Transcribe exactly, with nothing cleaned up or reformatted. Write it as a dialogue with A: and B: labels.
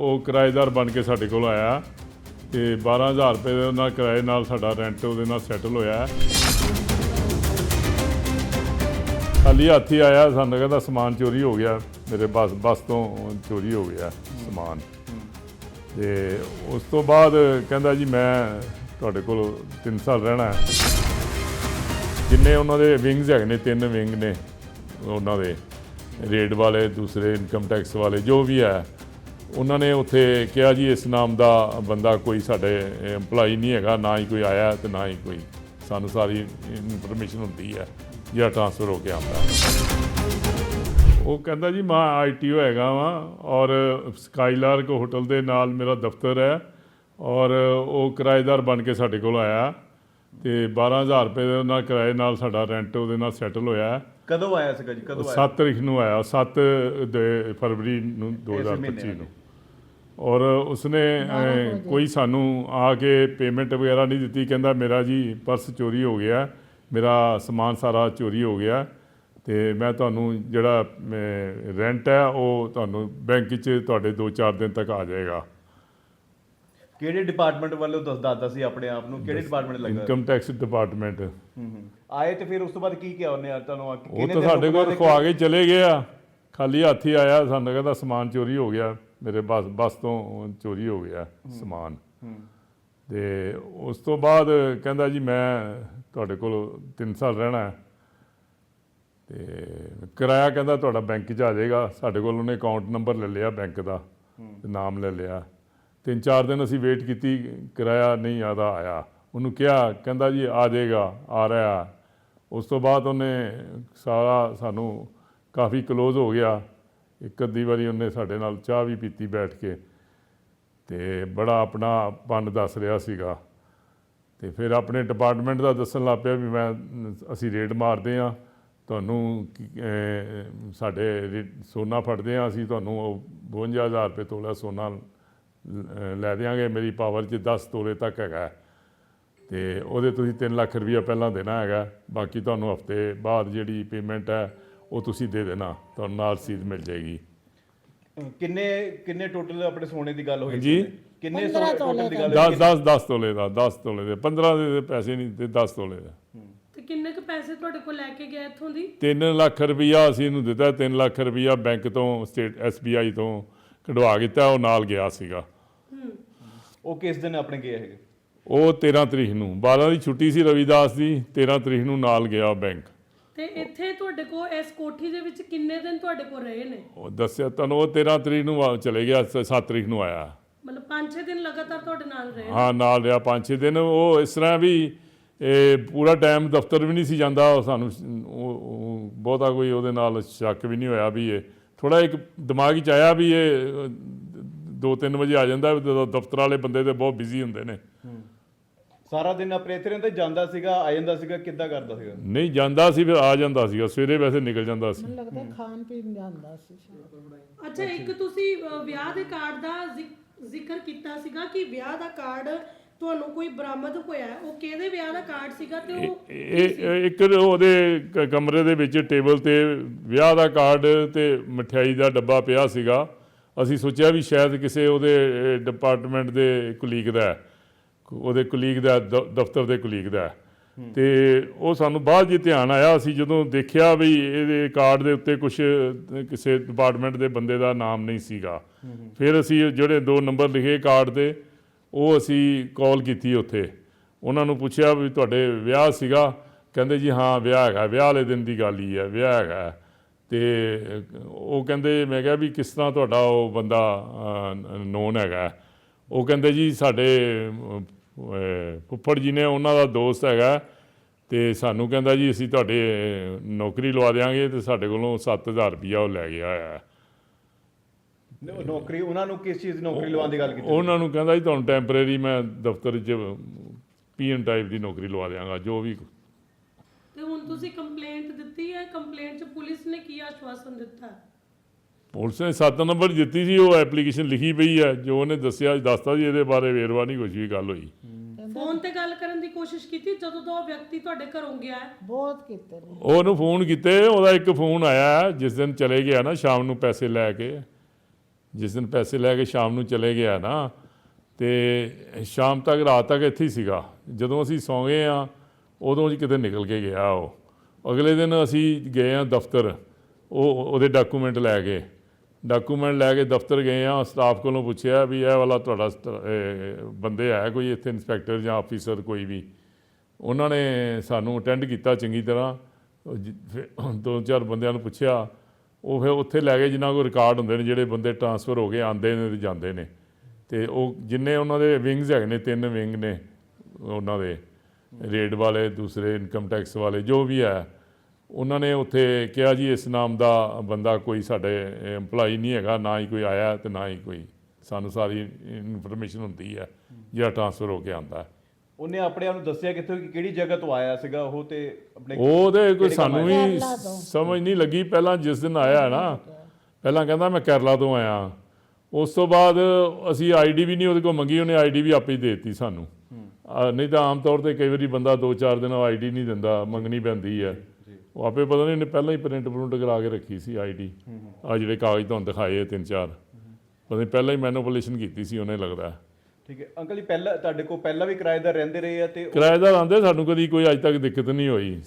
A: ਉਹ ਕਿਰਾਏਦਾਰ ਬਣ ਕੇ ਸਾਡੇ ਕੋਲ ਆਇਆ ਤੇ ਬਾਰਾਂ ਹਜ਼ਾਰ ਰੁਪਏ ਦੇ ਨਾਲ ਕਿਰਾਏ ਨਾਲ ਸਾਡਾ ਰੈਂਟ ਉਹਦੇ ਨਾਲ ਸੈਟਲ ਹੋਇਆ। ਖਾਲੀ ਹੱਥ ਹੀ ਆਇਆ, ਸਾਨੂੰ ਕਹਿੰਦਾ ਸਮਾਨ ਚੋਰੀ ਹੋ ਗਿਆ, ਮੇਰੇ ਬੱਸ ਬੱਸ ਤੋਂ ਚੋਰੀ ਹੋ ਗਿਆ ਸਮਾਨ। ਤੇ ਉਸ ਤੋਂ ਬਾਅਦ ਕਹਿੰਦਾ ਜੀ ਮੈਂ ਤੁਹਾਡੇ ਕੋਲ ਤਿੰਨ ਸਾਲ ਰਹਿਣਾ ਹੈ। ਜਿੰਨੇ ਉਹਨਾਂ ਦੇ ਵਿੰਗਸ ਹੈਗੇ ਨੇ, ਤਿੰਨ ਵਿੰਗ ਨੇ ਉਹਨਾਂ ਦੇ, ਰੇਡ ਵਾਲੇ, ਦੂਸਰੇ ਇਨਕਮ ਟੈਕਸ ਵਾਲੇ, ਜੋ ਵੀ ਹੈ, ਉਹਨਾਂ ਨੇ ਉੱਥੇ ਕਿਹਾ ਜੀ ਇਸ ਨਾਮ ਦਾ ਬੰਦਾ ਕੋਈ ਸਾਡੇ ਇੰਪਲਾਈ ਨਹੀਂ ਹੈਗਾ, ਨਾ ਹੀ ਕੋਈ ਆਇਆ ਤੇ ਨਾ ਹੀ ਕੋਈ ਸਾਨੂੰ ਸਾਰੀ ਇਨਫੋਰਮੇਸ਼ਨ ਹੁੰਦੀ ਹੈ ਜਿਹੜਾ ਟ੍ਰਾਂਸਫਰ ਹੋ ਕੇ ਆਉਂਦਾ। ਉਹ ਕਹਿੰਦਾ ਜੀ ਮੈਂ ਆਈ ਟੀ ਓ ਹੈਗਾ ਵਾਂ ਔਰ ਸਕਾਈਲਾਰਕ ਹੋਟਲ ਦੇ ਨਾਲ ਮੇਰਾ ਦਫ਼ਤਰ ਹੈ ਔਰ ਉਹ ਕਿਰਾਏਦਾਰ ਬਣ ਕੇ ਸਾਡੇ ਕੋਲ ਆਇਆ ਤੇ ਬਾਰਾਂ ਹਜ਼ਾਰ ਰੁਪਏ ਦੇ ਨਾਲ ਕਿਰਾਏ ਨਾਲ ਸਾਡਾ ਰੈਂਟ ਉਹਦੇ ਨਾਲ ਸੈਟਲ ਹੋਇਆ।
B: ਕਦੋਂ ਆਇਆ ਸੀਗਾ ਜੀ? ਕਦੋਂ ਆਇਆ?
A: ਸੱਤ ਤਰੀਕ ਨੂੰ ਆਇਆ, ਸੱਤ ਫਰਵਰੀ ਨੂੰ ਦੋ ਹਜ਼ਾਰ ਪੱਚੀ ਨੂੰ। ਔਰ ਉਸਨੇ ਕੋਈ ਸਾਨੂੰ ਆ ਕੇ ਪੇਮੈਂਟ ਵਗੈਰਾ ਨਹੀਂ ਦਿੱਤੀ। ਕਹਿੰਦਾ ਮੇਰਾ ਜੀ ਪਰਸ ਚੋਰੀ ਹੋ ਗਿਆ, ਮੇਰਾ ਸਮਾਨ ਸਾਰਾ ਚੋਰੀ ਹੋ ਗਿਆ ਤੇ ਮੈਂ ਤੁਹਾਨੂੰ ਜਿਹੜਾ ਰੈਂਟ ਹੈ ਉਹ ਤੁਹਾਨੂੰ ਬੈਂਕ 'ਚ ਤੁਹਾਡੇ ਦੋ ਚਾਰ ਦਿਨ ਤੱਕ ਆ ਜਾਏਗਾ।
B: ਕਿਹੜੇ ਡਿਪਾਰਟਮੈਂਟ ਵੱਲੋਂ ਦੱਸ ਦੱਸਦਾ ਸੀ ਆਪਣੇ ਆਪ ਨੂੰ? ਕਿਹੜੇ ਡਿਪਾਰਟਮੈਂਟ ਲੱਗਦਾ?
A: Income tax department.
B: ਹੂੰ ਹੂੰ ਆਏ ਤੇ ਫਿਰ ਉਸ ਤੋਂ ਬਾਅਦ ਕੀ ਕਿਹਾ ਉਹਨੇ? ਤੁਹਾਨੂੰ
A: ਉਹ ਤਾਂ ਸਾਡੇ ਕੋਲ ਰਖਵਾ ਕੇ ਚਲੇ ਗਏ ਆ, ਖਾਲੀ ਹੱਥ ਹੀ ਆਇਆ, ਸਾਨੂੰ ਕਹਿੰਦਾ ਸਮਾਨ ਚੋਰੀ ਹੋ ਗਿਆ, ਮੇਰੇ ਬੱਸ ਬੱਸ ਤੋਂ ਚੋਰੀ ਹੋ ਗਿਆ ਸਮਾਨ। ਤੇ ਉਸ ਤੋਂ ਬਾਅਦ ਕਹਿੰਦਾ ਜੀ ਮੈਂ ਤੁਹਾਡੇ ਕੋਲ ਤਿੰਨ ਸਾਲ ਰਹਿਣਾ ਹੈ ਤੇ ਕਿਰਾਇਆ ਕਹਿੰਦਾ ਤੁਹਾਡਾ ਬੈਂਕ 'ਚ ਆ ਜਾਏਗਾ। ਸਾਡੇ ਕੋਲ ਉਹਨੇ ਅਕਾਊਂਟ ਨੰਬਰ ਲੈ ਲਿਆ ਬੈਂਕ ਦਾ, ਨਾਮ ਲੈ ਲਿਆ। ਤਿੰਨ ਚਾਰ ਦਿਨ ਅਸੀਂ ਵੇਟ ਕੀਤੀ, ਕਿਰਾਇਆ ਨਹੀਂ ਆਦਾ ਆਇਆ। ਉਹਨੂੰ ਕਿਹਾ, ਕਹਿੰਦਾ ਜੀ ਆ ਜਾਏਗਾ, ਆ ਰਿਹਾ। ਉਸ ਤੋਂ ਬਾਅਦ ਉਹਨੇ ਸਾਰਾ ਸਾਨੂੰ ਕਾਫੀ ਕਲੋਜ਼ ਹੋ ਗਿਆ। ਇੱਕ ਅੱਧੀ ਵਾਰੀ ਉਹਨੇ ਸਾਡੇ ਨਾਲ ਚਾਹ ਵੀ ਪੀਤੀ ਬੈਠ ਕੇ ਤੇ ਬੜਾ ਆਪਣਾ ਪਨ ਦੱਸ ਰਿਹਾ ਸੀਗਾ। ਤੇ ਫਿਰ ਆਪਣੇ ਡਿਪਾਰਟਮੈਂਟ ਦਾ ਦੱਸਣ ਲੱਗ ਪਿਆ ਵੀ ਮੈਂ ਅਸੀਂ ਰੇਡ ਮਾਰਦੇ ਹਾਂ, ਤੁਹਾਨੂੰ ਸਾਡੇ ਸੋਨਾ ਫੜਦੇ ਹਾਂ, ਅਸੀਂ ਤੁਹਾਨੂੰ ਬਵੰਜਾ ਹਜ਼ਾਰ ਰੁਪਏ ਤੋਲਾ ਸੋਨਾ ਲੈ ਦਿਆਂਗੇ, ਮੇਰੀ ਪਾਵਰ 'ਚ ਦਸ ਤੋਲੇ ਤੱਕ ਹੈਗਾ ਤੇ ਉਹਦੇ ਤੁਸੀਂ ਤਿੰਨ ਲੱਖ ਰੁਪਈਆ ਪਹਿਲਾਂ ਦੇਣਾ ਹੈਗਾ, ਬਾਕੀ ਤੁਹਾਨੂੰ ਹਫ਼ਤੇ ਬਾਅਦ ਜਿਹੜੀ ਪੇਮੈਂਟ ਹੈ ਉਹ ਤੁਸੀਂ ਦੇ ਦੇਣਾ, ਤੁਹਾਨੂੰ ਨਾਲ ਰਸੀਦ ਮਿਲ ਜਾਏਗੀ।
B: ਕਿੰਨੇ ਕਿੰਨੇ ਟੋਟਲ ਆਪਣੇ ਸੋਨੇ ਦੀ ਗੱਲ ਹੋਈ
A: ਜੀ?
B: ਕਿੰਨੇ ਟੋਟਲ ਦੀ ਗੱਲ?
A: ਦਸ ਦਸ ਦਸ ਤੋਲੇ ਦਾ, ਦਸ ਤੋਲੇ ਦੇ, ਪੰਦਰਾਂ ਦੇ ਪੈਸੇ ਨਹੀਂ ਤੇ ਦਸ ਤੋਲੇ ਦਾ।
C: ਤੇ ਕਿੰਨੇ ਕੁ ਪੈਸੇ ਤੁਹਾਡੇ ਕੋਲ ਲੈ ਕੇ ਗਿਆ ਇੱਥੋਂ ਦੀ?
A: ਤਿੰਨ ਲੱਖ ਰੁਪਈਆ ਅਸੀਂ ਇਹਨੂੰ ਦਿੱਤਾ। ਤਿੰਨ ਲੱਖ ਰੁਪਈਆ ਬੈਂਕ ਤੋਂ, ਸਟੇਟ ਐਸ ਬੀ ਆਈ ਤੋਂ ਕਢਵਾ ਕੀਤਾ, ਉਹ ਨਾਲ ਗਿਆ ਸੀਗਾ।
B: ਉਹ ਕਿਸ ਦਿਨ ਆਪਣੇ ਗਏ ਹੈਗੇ?
A: ਉਹ ਤੇਰ੍ਹਾਂ ਤਰੀਕ ਨੂੰ, ਬਾਰਾਂ ਦੀ ਛੁੱਟੀ ਸੀ ਰਵੀਦਾਸ ਦੀ, ਤੇਰ੍ਹਾਂ ਤਰੀਕ ਨੂੰ ਨਾਲ ਗਿਆ ਬੈਂਕ।
C: ਤੇ ਇੱਥੇ ਤੁਹਾਡੇ ਕੋਲ ਇਸ ਕੋਠੀ ਦੇ ਵਿੱਚ ਕਿੰਨੇ ਦਿਨ ਤੁਹਾਡੇ ਕੋਲ ਰਹੇ ਨੇ?
A: ਉਹ ਦੱਸਿਆ ਤੁਹਾਨੂੰ, ਉਹ ਤੇਰ੍ਹਾਂ ਤਰੀਕ ਨੂੰ ਚਲੇ ਗਿਆ, ਸੱਤ ਤਰੀਕ ਨੂੰ ਆਇਆ।
C: ਮਤਲਬ ਪੰਜ ਛੇ ਦਿਨ ਲਗਾਤਾਰ ਤੁਹਾਡੇ ਨਾਲ ਰਹੇ?
A: ਹਾਂ, ਨਾਲ ਰਿਹਾ ਪੰਜ ਛੇ ਦਿਨ। ਉਹ ਇਸ ਤਰ੍ਹਾਂ ਵੀ ਇਹ ਪੂਰਾ ਟਾਈਮ ਦਫ਼ਤਰ ਵੀ ਨਹੀਂ ਸੀ ਜਾਂਦਾ। ਸਾਨੂੰ ਉਹ ਬਹੁਤਾ ਕੋਈ ਉਹਦੇ ਨਾਲ ਸ਼ੱਕ ਵੀ ਨਹੀਂ ਹੋਇਆ ਵੀ ਇਹ ਥੋੜ੍ਹਾ ਇੱਕ ਦਿਮਾਗ 'ਚ ਆਇਆ ਵੀ ਇਹ ਦੋ ਤਿੰਨ ਵਜੇ ਆ ਜਾਂਦਾ, ਜਦੋਂ ਦਫ਼ਤਰ ਵਾਲੇ ਬੰਦੇ ਤਾਂ ਬਹੁਤ ਬਿਜ਼ੀ ਹੁੰਦੇ ਨੇ।
B: ਸਾਰਾ ਦਿਨ ਆਪਣੇ ਇੱਥੇ ਰਹਿੰਦਾ, ਜਾਂਦਾ ਸੀਗਾ, ਆ ਜਾਂਦਾ ਸੀਗਾ, ਕਿੱਦਾਂ ਕਰਦਾ ਸੀਗਾ?
A: ਨਹੀਂ ਜਾਂਦਾ ਸੀ, ਫਿਰ ਆ ਜਾਂਦਾ ਸੀਗਾ, ਸਵੇਰੇ ਵੈਸੇ ਨਿਕਲ ਜਾਂਦਾ ਸੀ।
D: ਮੈਨੂੰ ਲੱਗਦਾ ਖਾਣ ਪੀਣ ਜਾਂਦਾ ਸੀ।
C: ਅੱਛਾ, ਇੱਕ ਤੁਸੀਂ ਵਿਆਹ ਦੇ ਕਾਰਡ ਦਾ ਜ਼ਿਕਰ ਕੀਤਾ ਸੀਗਾ ਕਿ ਵਿਆਹ ਦਾ ਕਾਰਡ ਤੁਹਾਨੂੰ ਕੋਈ ਬਰਾਮਦ ਹੋਇਆ, ਉਹ ਕਿਹਦੇ ਵਿਆਹ ਦਾ ਕਾਰਡ ਸੀਗਾ? ਤੇ ਉਹ
A: ਇਹ ਇੱਕ ਉਹਦੇ ਕਮਰੇ ਦੇ ਵਿੱਚ ਟੇਬਲ ਤੇ ਵਿਆਹ ਦਾ ਕਾਰਡ ਤੇ ਮਠਿਆਈ ਦਾ ਡੱਬਾ ਪਿਆ ਸੀਗਾ। ਅਸੀਂ ਸੋਚਿਆ ਵੀ ਸ਼ਾਇਦ ਕਿਸੇ ਉਹਦੇ ਡਿਪਾਰਟਮੈਂਟ ਦੇ ਕੁਲੀਗ ਦਾ, ਉਹਦੇ ਕੁਲੀਗ ਦਾ, ਦਫ਼ਤਰ ਦੇ ਕੁਲੀਗ ਦਾ। ਤੇ ਉਹ ਸਾਨੂੰ ਬਾਅਦ 'ਚ ਧਿਆਨ ਆਇਆ, ਅਸੀਂ ਜਦੋਂ ਦੇਖਿਆ ਵੀ ਇਹਦੇ ਕਾਰਡ ਦੇ ਉੱਤੇ ਕੁਛ ਕਿਸੇ ਡਿਪਾਰਟਮੈਂਟ ਦੇ ਬੰਦੇ ਦਾ ਨਾਮ ਨਹੀਂ ਸੀਗਾ। ਫਿਰ ਅਸੀਂ ਜਿਹੜੇ ਦੋ ਨੰਬਰ ਲਿਖੇ ਕਾਰਡ 'ਤੇ, ਉਹ ਅਸੀਂ ਕਾਲ ਕੀਤੀ ਉੱਥੇ, ਉਹਨਾਂ ਨੂੰ ਪੁੱਛਿਆ ਵੀ ਤੁਹਾਡੇ ਵਿਆਹ ਸੀਗਾ? ਕਹਿੰਦੇ ਜੀ ਹਾਂ ਵਿਆਹ ਹੈਗਾ, ਵਿਆਹ ਵਾਲੇ ਦਿਨ ਦੀ ਗੱਲ ਹੀ ਹੈ, ਵਿਆਹ ਹੈਗਾ। ਤੇ ਉਹ ਕਹਿੰਦੇ, ਮੈਂ ਕਿਹਾ ਵੀ ਕਿਸ ਤਰ੍ਹਾਂ ਤੁਹਾਡਾ ਉਹ ਬੰਦਾ ਨੋਨ ਹੈਗਾ? ਉਹ ਕਹਿੰਦੇ ਜੀ ਸਾਡੇ ਫੁੱਫੜ ਜੀ ਨੇ, ਉਹਨਾਂ ਦਾ ਦੋਸਤ ਹੈਗਾ ਤੇ ਸਾਨੂੰ ਕਹਿੰਦਾ ਜੀ ਅਸੀਂ ਤੁਹਾਡੇ ਨੌਕਰੀ ਲਵਾ ਦਿਆਂਗੇ, ਤੇ ਸਾਡੇ ਕੋਲੋਂ ਸੱਤ ਹਜ਼ਾਰ ਰੁਪਈਆ ਉਹ ਲੈ ਗਿਆ ਹੋਇਆ।
B: ਨੌਕਰੀ ਉਹਨਾਂ ਨੂੰ ਕਿਸ ਚੀਜ਼ ਦੀ ਨੌਕਰੀ ਲਵਾਉਣ ਦੀ ਗੱਲ ਕੀਤੀ?
A: ਉਹਨਾਂ ਨੂੰ ਕਹਿੰਦਾ ਜੀ ਤੁਹਾਨੂੰ ਟੈਂਪਰੇਰੀ ਮੈਂ ਦਫ਼ਤਰ 'ਚ ਪੀ ਐਨ ਟਾਈਪ ਦੀ ਨੌਕਰੀ ਲਵਾ ਦਿਆਂਗਾ, ਜੋ ਵੀ।
C: ਤੇ ਹੁਣ ਤੁਸੀਂ ਕੰਪਲੇਂਟ ਦਿੱਤੀ ਹੈ? ਕੰਪਲੇਂਟ 'ਚ ਪੁਲਿਸ ਨੇ ਕੀ ਆਸ਼ਵਾਸਨ ਦਿੱਤਾ?
A: ਪੁਲਿਸ ਨੇ ਸੱਤ ਨੰਬਰ ਦਿੱਤੀ ਸੀ, ਉਹ ਐਪਲੀਕੇਸ਼ਨ ਲਿਖੀ ਪਈ ਹੈ, ਜੋ ਉਹਨੇ ਦੱਸਿਆ ਦੱਸਤਾ ਜੀ, ਇਹਦੇ ਬਾਰੇ ਵੇਰਵਾ ਨਹੀਂ ਕੁਛ ਵੀ ਗੱਲ ਹੋਈ।
C: ਫੋਨ ਤੇ ਗੱਲ ਕਰਨ ਦੀ ਕੋਸ਼ਿਸ਼ ਕੀਤੀ ਜਦੋਂ ਤੋਂ ਉਹ ਵਿਅਕਤੀ ਤੁਹਾਡੇ ਘਰੋਂ ਗਿਆ ਹੈ?
D: ਬਹੁਤ ਕੀਤੇ ਨੇ।
A: ਉਹਨੂੰ ਫੋਨ ਕੀਤੇ, ਉਹਦਾ ਇੱਕ ਫੋਨ ਆਇਆ ਜਿਸ ਦਿਨ ਚਲੇ ਗਿਆ ਨਾ ਸ਼ਾਮ ਨੂੰ ਪੈਸੇ ਲੈ ਕੇ, ਜਿਸ ਦਿਨ ਪੈਸੇ ਲੈ ਕੇ ਸ਼ਾਮ ਨੂੰ ਚਲੇ ਗਿਆ ਨਾ, ਤੇ ਸ਼ਾਮ ਤੱਕ ਰਾਤ ਤੱਕ ਇੱਥੇ ਹੀ ਸੀਗਾ। ਜਦੋਂ ਅਸੀਂ ਸੌਂ ਗਏ ਆ ਉਦੋਂ ਜੀ ਕਿਤੇ ਨਿਕਲ ਕੇ ਗਿਆ ਉਹ। ਅਗਲੇ ਦਿਨ ਅਸੀਂ ਗਏ ਆ ਦਫ਼ਤਰ, ਉਹ ਉਹਦੇ ਡਾਕੂਮੈਂਟ ਲੈ ਕੇ ਡਾਕੂਮੈਂਟ ਲੈ ਕੇ ਦਫ਼ਤਰ ਗਏ ਆ। ਸਟਾਫ ਕੋਲੋਂ ਪੁੱਛਿਆ ਵੀ ਇਹ ਵਾਲਾ ਤੁਹਾਡਾ ਸਟ- ਇਹ ਬੰਦੇ ਹੈ ਕੋਈ ਇੱਥੇ ਇੰਸਪੈਕਟਰ ਜਾਂ ਆਫੀਸਰ ਕੋਈ ਵੀ। ਉਹਨਾਂ ਨੇ ਸਾਨੂੰ ਅਟੈਂਡ ਕੀਤਾ ਚੰਗੀ ਤਰ੍ਹਾਂ। ਉਹ ਜ- ਫਿਰ ਦੋ ਚਾਰ ਬੰਦਿਆਂ ਨੂੰ ਪੁੱਛਿਆ, ਉਹ ਫਿਰ ਉੱਥੇ ਲੈ ਗਏ ਜਿਨ੍ਹਾਂ ਕੋਲ ਰਿਕਾਰਡ ਹੁੰਦੇ ਨੇ, ਜਿਹੜੇ ਬੰਦੇ ਟਰਾਂਸਫਰ ਹੋ ਕੇ ਆਉਂਦੇ ਨੇ ਤੇ ਜਾਂਦੇ ਨੇ। ਅਤੇ ਉਹ ਜਿੰਨੇ ਉਹਨਾਂ ਦੇ ਵਿੰਗਸ ਹੈਗੇ ਨੇ, ਤਿੰਨ ਵਿੰਗ ਨੇ ਉਹਨਾਂ ਦੇ, ਰੇਡ ਵਾਲੇ, ਦੂਸਰੇ ਇਨਕਮ ਟੈਕਸ ਵਾਲੇ, ਜੋ ਵੀ ਹੈ, ਉਹਨਾਂ ਨੇ ਉੱਥੇ ਕਿਹਾ ਜੀ ਇਸ ਨਾਮ ਦਾ ਬੰਦਾ ਕੋਈ ਸਾਡੇ EMPLOYEE ਨਹੀਂ ਹੈਗਾ, ਨਾ ਹੀ ਕੋਈ ਆਇਆ ਅਤੇ ਨਾ ਹੀ ਕੋਈ ਸਾਨੂੰ ਸਾਰੀ ਇਨਫੋਰਮੇਸ਼ਨ ਹੁੰਦੀ ਹੈ ਜਿਹੜਾ ਟਰਾਂਸਫਰ ਹੋ ਕੇ ਆਉਂਦਾ ਹੈ।
B: ਉਹਨੇ ਆਪਣੇ ਆਪ ਨੂੰ ਦੱਸਿਆ ਕਿੱਥੋਂ ਕਿ ਕਿਹੜੀ ਜਗ੍ਹਾ ਤੋਂ ਆਇਆ ਸੀਗਾ ਉਹ, ਤੇ ਆਪਣੇ
A: ਉਹਦੇ ਕੋਈ
B: ਕਿਹੜੇ ਕੰਮ
A: ਸਾਨੂੰ ਵੀ
D: ਕੇਰਲਾ ਤੋਂ।
A: ਸਮਝ ਨਹੀਂ ਲੱਗੀ। ਪਹਿਲਾਂ ਜਿਸ ਦਿਨ ਆਇਆ ਨਾ, ਪਹਿਲਾਂ ਕਹਿੰਦਾ ਮੈਂ ਕੇਰਲਾ ਤੋਂ ਆਇਆ। ਉਸ ਤੋਂ ਬਾਅਦ ਅਸੀਂ ਆਈ ਡੀ ਵੀ ਨਹੀਂ ਉਹਦੇ ਕੋਲ ਮੰਗੀ, ਉਹਨੇ ਆਈ ਡੀ ਵੀ ਆਪੇ ਹੀ ਦੇ ਦਿੱਤੀ ਸਾਨੂੰ। ਅਹ ਨਹੀਂ ਤਾਂ ਆਮ ਤੌਰ 'ਤੇ ਕਈ ਵਾਰੀ ਬੰਦਾ ਦੋ ਚਾਰ ਦਿਨ ਆਈ ਡੀ ਨਹੀਂ ਦਿੰਦਾ, ਮੰਗਣੀ ਪੈਂਦੀ ਹੈ। ਉਹ ਆਪੇ ਪਤਾ ਨਹੀਂ ਉਹਨੇ ਪਹਿਲਾਂ ਹੀ ਪ੍ਰਿੰਟ ਪ੍ਰਿੰਟ ਕਰਾ ਕੇ ਰੱਖੀ ਸੀ ਆਈ ਡੀ। ਆ ਜਿਹੜੇ ਕਾਗਜ਼ ਤੁਹਾਨੂੰ ਦਿਖਾਏ ਆ ਤਿੰਨ ਚਾਰ, ਪਤਾ ਨਹੀਂ ਪਹਿਲਾਂ ਹੀ ਮੈਨੂਪੂਲੇਸ਼ਨ ਕੀਤੀ ਸੀ ਉਹਨੇ, ਲੱਗਦਾ।
B: ਠੀਕ ਹੈ ਅੰਕਲ ਜੀ, ਪਹਿਲਾਂ ਤੁਹਾਡੇ ਕੋਲ ਪਹਿਲਾਂ ਵੀ ਕਿਰਾਏਦਾਰ ਰਹਿੰਦੇ ਰਹੇ ਆ ਤੇ ਉਹ-
A: ਕਿਰਾਏਦਾਰ ਆਉਂਦੇ, ਸਾਨੂੰ ਕਦੀ ਕੋਈ ਅੱਜ ਤੱਕ ਦਿੱਕਤ ਨਹੀਂ ਹੋਈ।